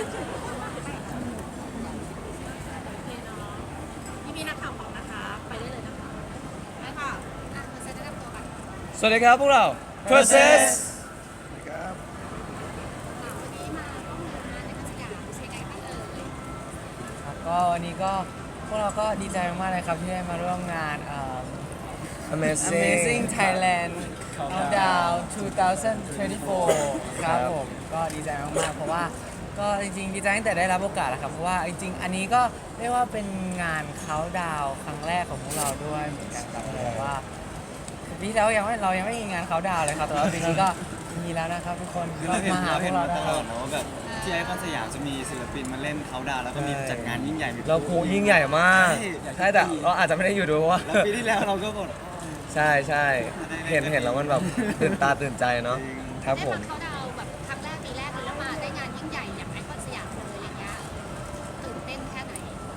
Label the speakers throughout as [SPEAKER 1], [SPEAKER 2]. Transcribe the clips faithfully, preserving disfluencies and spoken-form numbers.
[SPEAKER 1] พี่มีนักข่าวของนะคะไปได้เลยนะคะได้ค่ะอ่ะคุณเซตแนะนำตัวกัน
[SPEAKER 2] สวัสดีครับพวกเรา Process
[SPEAKER 1] วันนี้มาร่วมงานในพัทยาใช้ไงบ้างเอ่ย
[SPEAKER 3] ครับก็วันนี้ก็พวกเราก็ดีใจมากๆเลยครับที่ได้มาร่วมงานเอ่อ
[SPEAKER 2] Amazing
[SPEAKER 3] Amazing Thailand Countdown สองพันยี่สิบสี่ ครับผมก็ดีใจมากๆเพราะว่าก็จริงๆดีใจตั้งแต่ได้รับโอกาสแล้วครับเพราะว่าจริงๆอันนี้ก็เรียกว่าเป็นงานเขาดาวครั้งแรกของพวกเราด้วยเหมือนกันครับเพราะว่าปีที่แล้วยังไม่เรายังไม่มีงานเขาดาวเลยครับแต่ว่าปีนี้ก็มีแล้วนะครับทุกคน
[SPEAKER 4] คือ
[SPEAKER 3] ก็
[SPEAKER 4] เราเห็น
[SPEAKER 3] มาหา
[SPEAKER 4] เรา
[SPEAKER 3] พว
[SPEAKER 4] เห็
[SPEAKER 3] ก
[SPEAKER 4] น
[SPEAKER 3] เรา
[SPEAKER 4] มา
[SPEAKER 3] ได้
[SPEAKER 4] ตลอดเนาะว่าแบบที่ไอคอนสยามจะมีศิลปินมาเล่นเขาดาวน์แล้วก็มีจัดงานยิ่งใหญ่มี
[SPEAKER 2] เราครูยิ่งใหญ่มาก
[SPEAKER 4] ใช่
[SPEAKER 2] ใช่แต่เราอาจจะไม่ได้อยู่ด้วยเพราะว่า
[SPEAKER 4] แล้วปีที่แล้วเราก็บอก
[SPEAKER 2] ใช่ใช่เห็นเห็นแล้วมันแบบตื่นตาตื่นใจเนาะครับผม
[SPEAKER 1] ได้มาเขาดาวน์แบบครั้งแรกปีแรกเลยแล้วมาได้งานยิ่งใหญ่อย่างไอคอนสยามเลยอย่างเงี้ยตื่นเต้นแค่ไหน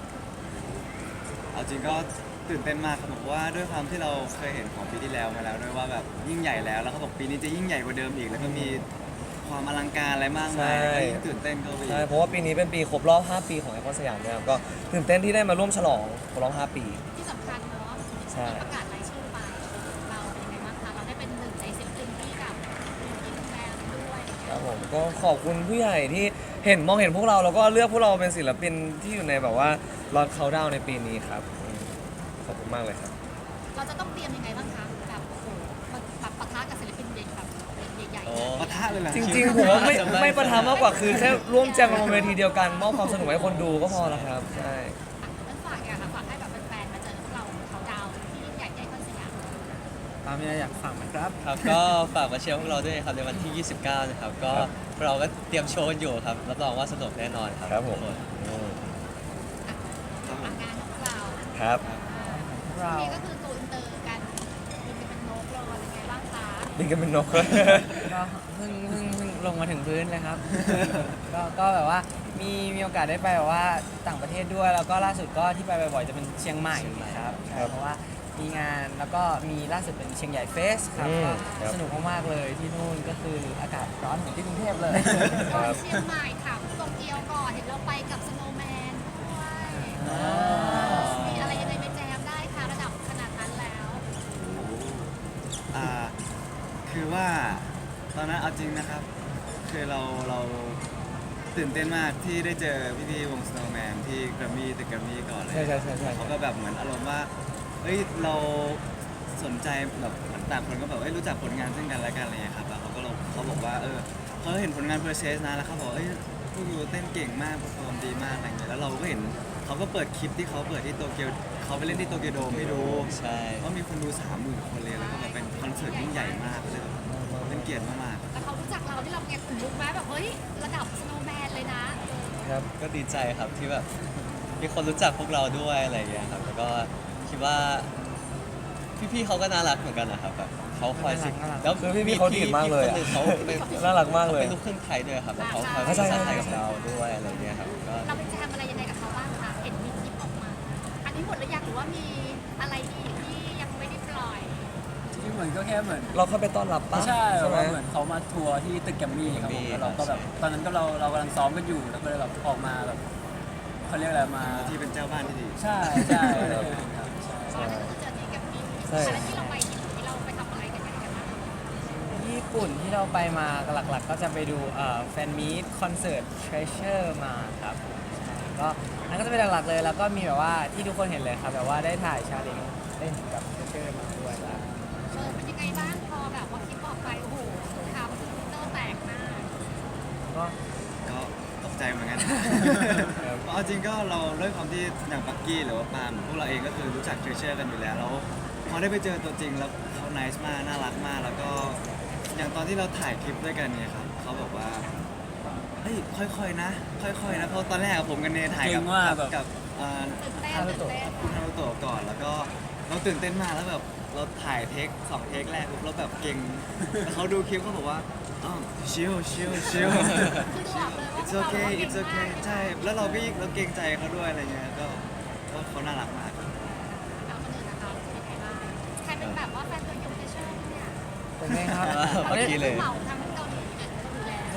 [SPEAKER 4] เอาจริงก็ตื่นเต้นมากครับผมเพราะว่าด้วยความที่เราเคยเห็นของปีที่แล้วมาแล้วด้วยว่าแบบยิ่งใหญ่แล้วแล้วเขาบอกปีนี้จะยิ่งใหญ่กว่าเดิมอีก แล้วก็มีความอลังการอะไรมากมาย
[SPEAKER 2] ใช่
[SPEAKER 4] ก็ยิ่งตื่นเต้นก็ไปอี
[SPEAKER 2] ใช่
[SPEAKER 4] ก
[SPEAKER 2] เพราะว่าปีนี้เป็นปีครบรอบ ห้า ปีของไอคอนสยามด้วยครับก็ตื่นเต้นที่ได้มาร่วมฉลองครบรอบ ห้า ปี
[SPEAKER 1] ที่สำคัญเนาะ
[SPEAKER 2] ใช่
[SPEAKER 1] ประกาศรายชื่อไปเราเป็นยังไงบ้างคะเราได้เป็นหนึ่งในศิลปินที่แบบมีแบรนด์ด้วยอย่าง
[SPEAKER 2] ค
[SPEAKER 1] เงี้
[SPEAKER 2] รั
[SPEAKER 1] ย
[SPEAKER 2] บผมก็ขอบคุณผู้ใหญ่ที่เห็นมองเห็นพวกเราแล้วก็เลือกพวกเราเป็นศิลปินที่อยู่ในแบบว่าล็อตเขาดาวในปีนี้ครับอืมขอบคุณมากเลยครับ
[SPEAKER 1] เราจะต้องเตรียมยังไงบ้างคะแบบโอ้โหแบบปะทะกับศิลปินใหญ่แบบใหญ่ๆ
[SPEAKER 4] ปะทะเลยเหรอ
[SPEAKER 2] จริงๆ ผมว่าไม่ไม่ประทับมากกว่าคือแค่ร่วมแจมกันบนเวทีเดียวกันมอบความสนุกให้คนดูก็พอแล้วครับใช่
[SPEAKER 1] งั้นฝากอย่างนะฝากให้แบบแฟนๆมาเจอพวกเราเขาดาวน์ที่ยิ่งใหญ่ใหญ่คอนสยาม
[SPEAKER 3] ตามมีอะไรอยากฝากไหมครับ
[SPEAKER 5] ครับก็ฝากมาเชียร์พวกเราด้วยครับในวันที่ ยี่สิบเก้า นะครับ ก็เราก็เตรียมโชว์กันอยู่ครับรับรองว่าสนุกแน่นอนครับ
[SPEAKER 2] ครับผม
[SPEAKER 5] ทุกน
[SPEAKER 2] อืม
[SPEAKER 1] ฝากงานของเรา
[SPEAKER 2] ครับ
[SPEAKER 3] เรา
[SPEAKER 1] นี่ก็คือตัวอินเตอร์กันบินกันเป็นนกเลยอะไรไงบ้างคะ
[SPEAKER 2] บินกันเป็นนก
[SPEAKER 3] ก็เพิ่งเพิ่งเพิ่งลงมาถึงพื้นเลยครับ ก็ก็แบบว่ามีมีโอกาสได้ไปแบบว่าต่างประเทศด้วย แล้วก็ล่าสุดก็ที่ไปบ่อยๆจะเป็นเชียงใหม่ครับใช่เพราะว่ามีงานแล้วก็มีล่าสุดเป็นเชียงใหญ่เฟสครับ
[SPEAKER 2] อืม
[SPEAKER 3] ก็
[SPEAKER 2] ครับ
[SPEAKER 3] สนุกมากๆเลยที่นู่นก็คืออากาศร้อนเหมือนที่กรุงเทพเลย
[SPEAKER 1] ก่อนเชียงใหม่ถามโตเกียวก่อนเห็นเราไปกับสโนว์แมนด้วยมีอะไรยังไงไปแจมได้คะระดับขนาดนั้นแล้ว
[SPEAKER 4] อ่าคือว่าตอนนั้นเอาจริงนะครับ คือเราเราตื่นเต้นมากที่ได้เจอพี่ๆวง Snowman ที่แกรมมี่ตึกแกรมมี่ก่อนเลย
[SPEAKER 2] ใช่ใช่ใช่ใช่
[SPEAKER 4] เขาก็แบบเหมือนอารมณ์ว่าเอ้ยเราสนใจแบบเหมือนต่างคนก็แบบเอ้ยรู้จักผลงานซึ่งกันและกันอะไรเงี้ยครับแล้วเขาก็เราเขาบอกว่าเออเขาเห็นผลงาน Process นะแล้วเขาบอกเอ้ยพวกยูเต้นเก่งมากเปอร์ฟอร์มดีมากอะไรเงี้ยแล้วเราก็เห็นเขาก็เปิดคลิปที่เขาเปิดที่โตเกียวเขาไปเล่นที่โตเกียวโดมให้ดู
[SPEAKER 5] ใช่
[SPEAKER 4] ว่ามีคนดูสามหมื่นคนเลยแล้วก็แบบเป็นคอนเสิร์ตยิ่งใหญ่มากเลยแบบเป็นเกียรติมาก
[SPEAKER 1] แต่เขารู้จักเราที่เราไงขุนลุกไหมแบบเฮ้ยระดับสโนว์แมนเลยนะ
[SPEAKER 2] ครับ
[SPEAKER 5] ก็ดีใจครับที่แบบมีคนรู้จักพวกเราด้วยอะไรอย่างเงี้ยครับแล้วก็คิดว่าพี่ๆเขาก็น่ารักเหมือนกันนะครับแบบเขาคอยสิ
[SPEAKER 3] น่ารัก
[SPEAKER 5] แล้ว
[SPEAKER 2] คือพี่ๆเขาดีดมากเลยอะ
[SPEAKER 5] พี่คนหนึ่งเขาเป็น
[SPEAKER 2] น่ารักมากเลย
[SPEAKER 5] เป็นลูกครึ่งไทยด้วยครับแล้วเขาคอย
[SPEAKER 2] ใช่
[SPEAKER 5] ภา
[SPEAKER 2] ใช่
[SPEAKER 5] ษาไทยกับเราด้วยอะไรอย่างเงี้ยครับก็
[SPEAKER 1] เราไปแจมอะไรยังไงกับเขาบ้างคะเห็นมีคลิปออกมา อันนี้หมดหรือยังหรือว่ามีอะไรอีกที่ยังไม่ได้ปล่อย
[SPEAKER 6] ที่เหมือนก็แค่เหมือน
[SPEAKER 2] เราเข้าไปต้อนรับปะ
[SPEAKER 6] ใช่แบบ
[SPEAKER 2] ไหม
[SPEAKER 6] ว่าเหมือนเขามาทัวร์ที่ตึกแกรมมี่ครับผมแล้วเราก็แบบตอนนั้นก็เราเรากำลังซ้อมกันอยู่แล้วก็เลยแบบออกมาแบบเขาเรียกอะไรมา
[SPEAKER 4] ๆที่เป็นเจ้าบ้านที่ดี
[SPEAKER 6] ใช่ใช่อะไรอย่างเงี้ยครับใช่
[SPEAKER 1] ตอนนั้นก็คือเจอที่กับมี
[SPEAKER 2] ใช่
[SPEAKER 1] แล้วที่เราไปที่หที่เราไปทำอะไรกันกันบ้าง
[SPEAKER 3] ญี่ปุ่นที่เราไปมาหลักๆ ก็จะไปดูแฟนมีตคอนเสิร์ต Treasure มาครับใช่ก็นั่นก็จะเป็นหลักๆเลย แล้วก็มีแบบว่าที่ทุกคนเห็นเลยครับแบบว่าได้ถ่ายชาเลนจ์เล่นกับ Treasure มาด้วยแล้ว
[SPEAKER 1] เออเป็นยังไงบ้างพอแบบว่าคลิปออกไปโอ้โหสงครามทวิตเตอร์แตกมาก
[SPEAKER 3] ก็
[SPEAKER 4] ก็ตกใจเหมือนกัน เพราะเอาจริงก็เราด้วยความที่อย่างปักกี้หรือว่าปาล์มพวกเราเองก็คือรู้จักเทรเชอร์กันอยู่แล้วแล้วพอได้ไปเจอตัวจริงแล้วเขา nice มากน่ารักมาก แล้วก็อย่างตอนที่เราถ่ายคลิปด้วยกันเนี่ยครับเขาบอกว่าเฮ้ยค่อยๆนะ ค่อยๆนะเพราะตอนแรกอะผมกับเนถ่ายกับกับกับเอ่อ
[SPEAKER 1] ตื่นเต้นตื่นเต้น
[SPEAKER 4] คุณฮารุโตะก่อนแล้วก็เราตื่นเต้นมากแล้วแบบเราถ่ายเทคสองเทคแรกปุ๊บเราแบบเก่งแล้วเขาดูคลิปเขาบอกว่าอ๋อชิลชิลชิล
[SPEAKER 1] คือดูออกเลยว่า
[SPEAKER 4] it's okay it's okay ใช่ แล้วเราก็ยิ่งเราเกรงใจเขาด้วยอะไรเงี้ย ก็ก็เขาน่ารักมาก
[SPEAKER 1] เอาคนอื่นนะคะเป็นยังไงบ้างใครเป็นแบบว่าแฟนตัวยงเทเชอร์เนี่ย
[SPEAKER 3] เป็นไงครับ
[SPEAKER 5] เมื่อกี้เลย
[SPEAKER 1] เหมาทั้งเกาหลีเนี่ยก็ดูแล
[SPEAKER 3] ผ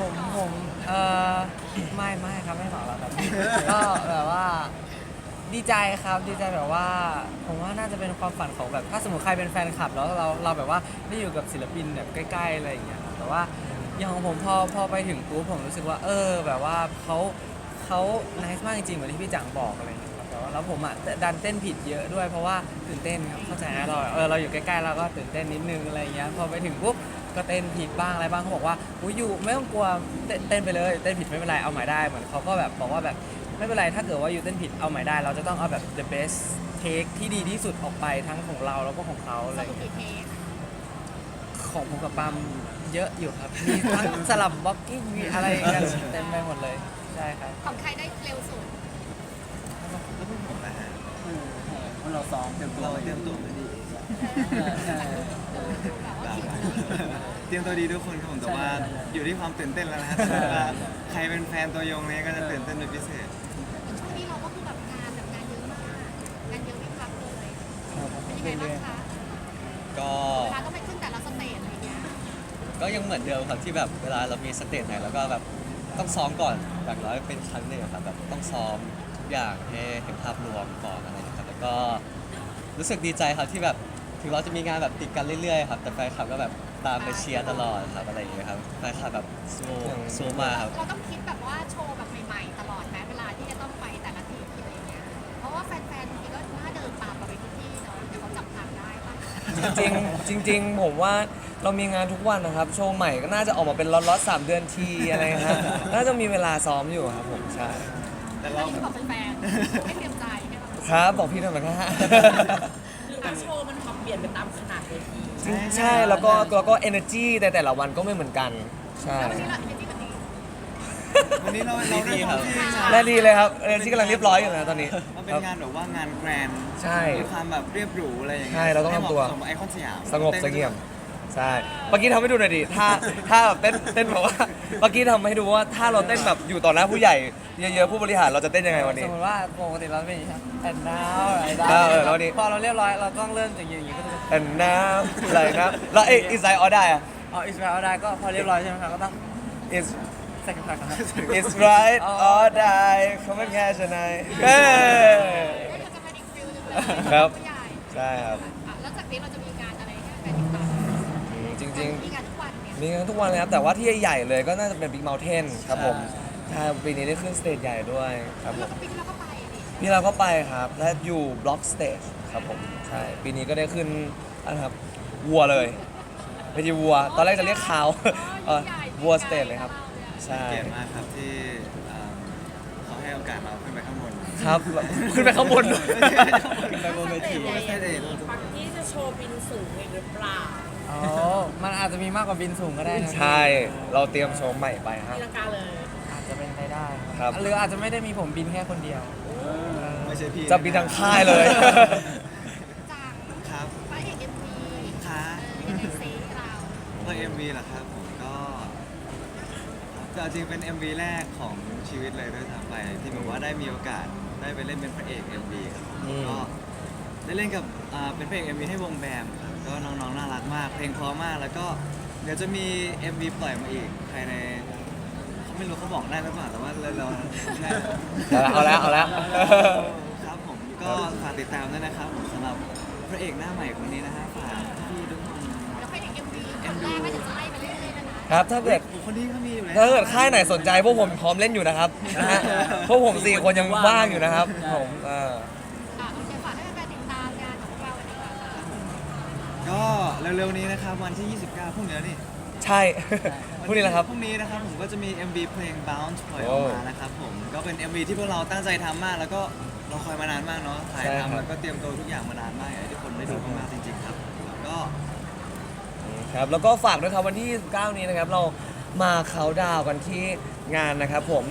[SPEAKER 3] ผมผมเออไม่ไม่ครับไม่เหมาแล้วครับ ก็แบบว่าดีใจครับดีใจแบบว่า ผมว่าน่าจะเป็นความฝันของแบบถ้าสมมติใครเป็นแฟนคลับแล้วเราเราแบบว่าได้อยู่กับศิลปินแบบใกล้ๆอะไรอย่างเงี้ยครับแต่ว่าอย่างของผมพอพอไปถึงปุ๊บผมรู้สึกว่า เออแบบว่าเขาเขาไนส์มากจริงๆเหมือนที่พี่จังบอกอะไรอย่างเงี้ยครับแต่ว่าแล้วผมอ่ะดันเต้นผิดเยอะด้วยเพราะว่าตื่นเต้นครับเข้าใจนะเราเออเราอยู่ใกล้ๆเราก็ตื่นเต้นนิดนึงอะไรอย่างเงี้ยพอไปถึงปุ๊บก็เต้นผิดบ้างอะไรบ้างเขาบอกว่าอุ้ยอยู่ไม่ต้องกลัวเต้นเต้นไปเลยเต้นผิดไม่เป็นไรเอาใหม่ได้เหมือนเขาก็แบบบอกว่าแบบ ไม่เป็นไรถ้าเกิดว่าอยู่เต้นผิดเอาใหม่ได้ เราจะต้องเอาแบบ the best take ที่ดีที่สุดออกไปทั้งของเราแล้วก็ของเขาอะ
[SPEAKER 1] ส
[SPEAKER 3] ไร
[SPEAKER 1] รุปกี่เทค
[SPEAKER 3] ของผมกับปามเยอะอยู่ครับ มีทั้งสลับบล็อกกิ้งมีอะไรกันเต็มไปหมดเลย ใช่ครับ
[SPEAKER 1] ของใครได้เร็วสุด
[SPEAKER 4] แล้วพวกผมนะฮะ
[SPEAKER 6] เออเออเราซ้อมเตรียมตัว
[SPEAKER 4] เรา
[SPEAKER 6] ไว้
[SPEAKER 4] เตรียมตัวมาดี
[SPEAKER 6] ใช่
[SPEAKER 1] แบบว่าผิด
[SPEAKER 4] เตรียมตัวดีทุกคนครับผมแต่ว่า
[SPEAKER 6] ใช่ใช่ใช่
[SPEAKER 4] อยู่ที่ความตื่นเต้นแล้วนะฮะแต่ว่าใครเป็นแฟนตัวยงเนี้ก็จะตื่นเต้นเป็นพิเศษ
[SPEAKER 1] ช่วงนี้เราก็คือแบบงานแบบงานเยอะมากงานเยอะไม่พักเลยเป็นยังไงบ้างคะ
[SPEAKER 5] ก็
[SPEAKER 1] เวลาต้องไปขึ้นแต่ละสเตจอะไรเงี้ย
[SPEAKER 5] ก็ยังเหมือนเดิมครับที่แบบเวลาเรามีสเตจไหนแล้วก็แบบต้องซ้อมก่อนอย่างน้อยเป็นครั้งหนึ่งอะครับแบบต้องซ้อมทุกอย่างให้เห็นภาพรวมก่อนอะไรอย่างเงี้ยครับแล้วก็รู้สึกดีใจครับที่แบบถึงเราจะมีงานแบบติดกันเรื่อยๆครับแต่แฟนคลับก็แบบตามไปเชียร์ตลอดครับอะไรอย่างเงี้ยครับแฟนคลับแบบสู้สู้มากครับ
[SPEAKER 1] เราต้องคิดแบบว่าโชว์แบบใหม่ๆ ตลอดไหมเวลาที่จะต้องไปแต่ละที่อะไรเงี้ยเพราะว่าแฟนๆบางทีก็น่าเดินตามเราไปทุกที่เนาะเดี๋ยวเขาจับทางได้ปะ
[SPEAKER 2] จริงๆจริง ๆ ผมว่าเรามีงานทุกวันนะครับ โชว์ใหม่ก็น่าจะออกมาเป็นล็อตๆสามเดือนทีอะไรฮะน่าจะมีเวลาซ้อมอยู่ครับผมใช่
[SPEAKER 4] แต่
[SPEAKER 1] อั
[SPEAKER 4] เรา
[SPEAKER 1] นนี้คือบอกแฟนๆให้เตรียมใจให้เรา
[SPEAKER 2] ครับบอกพี่ทำไมนะฮะ
[SPEAKER 7] หรือว่าโชว์มันปรับเปลี่ยนไปตามขนาดเวที
[SPEAKER 2] จริงใช่แล้วก็แล้วก็ energy แต่แต่ละวันก็ไม่เหมือนกัน ใช่
[SPEAKER 1] แล้ววันนี้เราเป็นที่แบบนี้
[SPEAKER 4] วันนี้เราเราได้ความที่งาน
[SPEAKER 2] และดีเลยครับ energy กำลังเรียบร้อยอยู่นะตอนนี้
[SPEAKER 4] มันเป็นงานแบบว่างานแกรนด์
[SPEAKER 2] ใช่
[SPEAKER 4] มีความแบบเรียบหรูอะไรอย่างเงี้ย
[SPEAKER 2] ใช่เราต้องทำตัว
[SPEAKER 4] ให้เหมาะสมกับไอคอนสยาม
[SPEAKER 2] สงบเสงี่ยมใช่เมื่อกี้ทำให้ดูหน่อยดิถ้าถ้าแบบเต้นเต้นแบบว่าเมื่อกี้ทำให้ดูว่าถ้าเราเต้นแบบอยู่ต่อหน้าผู้ใหญ่เยอะๆผู้บริหารเราจะเต้นยังไงวัน
[SPEAKER 3] ส
[SPEAKER 2] นี้
[SPEAKER 3] มมติว่าปกติเราเป็นอย่างนี้ครับ and now อะไรได้
[SPEAKER 2] เออเออแล้วนี่
[SPEAKER 3] พอเราเรียบร้อยเราต้องเริ่มจากอย่างนี้ก็จะ
[SPEAKER 2] แต่น้ำอะไรนะแล้วเอ้อินไซด์ออได้อะ
[SPEAKER 3] เอาอิสราเอลได้ก็พอเรียบร้อยใช่ไหมครับก็ต้อง
[SPEAKER 2] is
[SPEAKER 3] ใส่กระเพาะครับ
[SPEAKER 2] is right or die เขาไม่แค่ชนะเฮ้ย
[SPEAKER 1] ก็จะเป็นอีกฟิลหนึงเลย
[SPEAKER 2] ครับ
[SPEAKER 1] ผู้ใหญ่
[SPEAKER 2] ใช่ครับ
[SPEAKER 1] อ่ะแล้วจากนี้เราจะมีงานอะไรให้แฟนติดตาม
[SPEAKER 2] อืมจริง
[SPEAKER 1] มีงานทุกวันเนี่ย
[SPEAKER 2] ๆ มีงานทุกวันเลยครับ แต่ว่าที่ใหญ่ๆเลยก็น่าจะเป็น Big Mountain ครับผมใช่ปีนี้ได้ขึ้นสเตจใหญ่ด้วยครับผ
[SPEAKER 1] เรา
[SPEAKER 2] ม
[SPEAKER 1] ก็ปีที่เราก็ไปดิ
[SPEAKER 2] พี่เราก็ไปครับ และอยู่ Block Stage ครับผมใช่ปีนี้ก็ได้ขึ้นนะครับวัวเลยไม่ใช่วัว ตอนแรกจะเรียกขาวเออวัวสเตจเลยครับ ใช่
[SPEAKER 4] เกียรติมากครับที่อ่าเขาให้โอกาสเราขึ้นไปข้างบน
[SPEAKER 2] ครับ ขึ้นไปข้างบนด้วย
[SPEAKER 4] ขึ้นไปบนเวทีไม่ใช่เอง
[SPEAKER 7] ปักที่จะโชว์บินสูงอีกหรือเปล่า
[SPEAKER 3] อ๋อ มันอาจจะมีมากกว่าบินสูงก็ได้นะ
[SPEAKER 2] ใช่ เราเตรียมโชว์ใหม่ไปครับ
[SPEAKER 7] ตีลังกาเลย
[SPEAKER 3] อาจจะเป็นไปได้
[SPEAKER 2] ครับ
[SPEAKER 3] หรืออาจจะไม่ได้มีผมบินแค่คนเดียว
[SPEAKER 4] ไม่ใช่พี่
[SPEAKER 2] จะบินทางค่ายเลย
[SPEAKER 1] จาก
[SPEAKER 4] ครับ
[SPEAKER 1] พระเอกเอ็มวี
[SPEAKER 4] ค่ะ
[SPEAKER 1] ยังไงซีเรา
[SPEAKER 4] ก็ เอ็ม วี เหรอครับผมก็จะจริงเป็น เอ็ม วี แรกของชีวิตเลยด้วยซ้ำไปที่แบบว่าได้มีโอกาสได้ไปเล่นเป็นพระเอก เอ็ม วี ครับผม
[SPEAKER 2] อืม
[SPEAKER 4] ก็ได้เล่นกับอ่าเป็นพระเอก เอ็ม วี ให้วงแบมครับก็น้องๆน่ารักมาก เพลงเพราะมากแล้วก็เดี๋ยวจะมี เอ็ม วี ปล่อยมาอีกภายในเขาไม่รู้เขาบอกได้หรือเปล่าแต่ว่าเราเราได้
[SPEAKER 2] เอาแล้วเอาแล้ว
[SPEAKER 4] ครับผมก็ฝากติดตามด้วยนะครับผมสำหรับพระเอกหน้าใหม่คนนี้นะฮะฝากพี่ทุกคน
[SPEAKER 1] แล้วพระเอกเอ็มวีคนแรกก็จะไล่ไปเรื่อยๆแล้วนะครับ
[SPEAKER 2] ถ้าเกิด
[SPEAKER 4] คนนี้ก็มีอยู่แล้ว
[SPEAKER 2] ถ้าเกิดค่ายไหนสนใจพวกผมพร้อมเล่นอยู่นะครับนะฮะพวกผมสี่คนยังว่างอยู่นะครับผมเออ
[SPEAKER 1] อ่ะโอเคฝากให้แฟนๆติดตามงานของเราวันนี้ก่อนค่ะ
[SPEAKER 4] ก็เร็วๆนี้นะครับวันที่ ยี่สิบเก้าพรุ่งนี้แล้วนี่
[SPEAKER 2] ใช่พวกนี้แหละครับ
[SPEAKER 4] พรุ่งนี้นะครับผมก็จะมี เอ็ม วี เพลง Bounce ปล่อยอ
[SPEAKER 2] โอ้
[SPEAKER 4] อกมานะครับผมก็เป็น เอ็ม วี ที่พวกเราตั้งใจทำมาก แล้วก็เราคอยมานานมากเนาะถ่าย
[SPEAKER 2] ใช่ครับ
[SPEAKER 4] ทำแล้วก็เตรียมตัวทุกอย่างมานานมากอยากให้ทุกคนได้ดูมากๆจริงๆครับแล้วก็
[SPEAKER 2] ครับแล้วก็ฝากด้วยครับวันที่ยี่สิบเก้านี้นะครับ เรามาเขาน์ดาวน์กันที่งานนะครับผม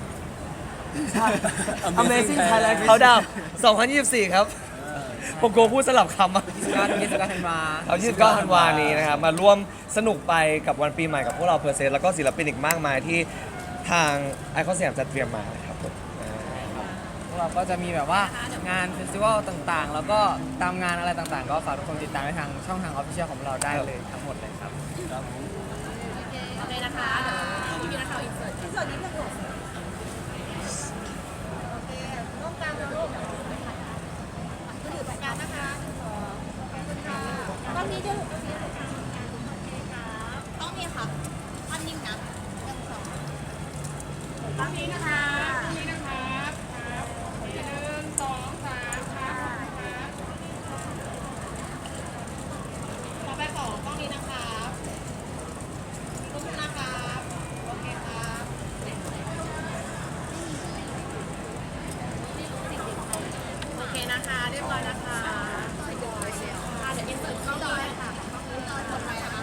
[SPEAKER 2] Amazing Thailand Countdown สองพันยี่สิบสี่ ครับ ผมกลัวพูดสลับคำอะ
[SPEAKER 3] การยี่สิบเก้าธันวา
[SPEAKER 2] เอายี่สิบเก้าธันวานี้นะครับ มาร่วมสนุกไปกับวันปีใหม่กับพวกเราเพอร์เซนแล้วก็ศิลปินอีกมากมายที่ทางไอคอนสยามจัดเตรียมมานะครับผมอ่า
[SPEAKER 3] พวกเราก็จะมีแบบว่างานเฟสติวัลต่างๆ แล้วก็ตามงานอะไรต่างๆ ก็ฝากทุกคนติดตามในทางช่องทางออฟฟิเชียลของเราได้เลยทั้งหมดเลยครับ
[SPEAKER 7] โอเคนะคะเดี๋ยวพี่พีนะคะ
[SPEAKER 1] ตอนนี้นะคะตอนนี้นะคะครับหนึ่งสองสามครับครับต่อไปขอกล้องนี้นะครับทุกคนนะครับโอเคครับโอเคนะคะเรียบร้อยนะคะอ่ะเดี๋ยวอินเสิร์ตเข้าด้วยค่ะต่อไปนะคะ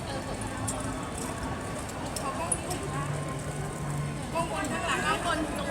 [SPEAKER 1] กล้องบนข้างหลังกล้องบนตรง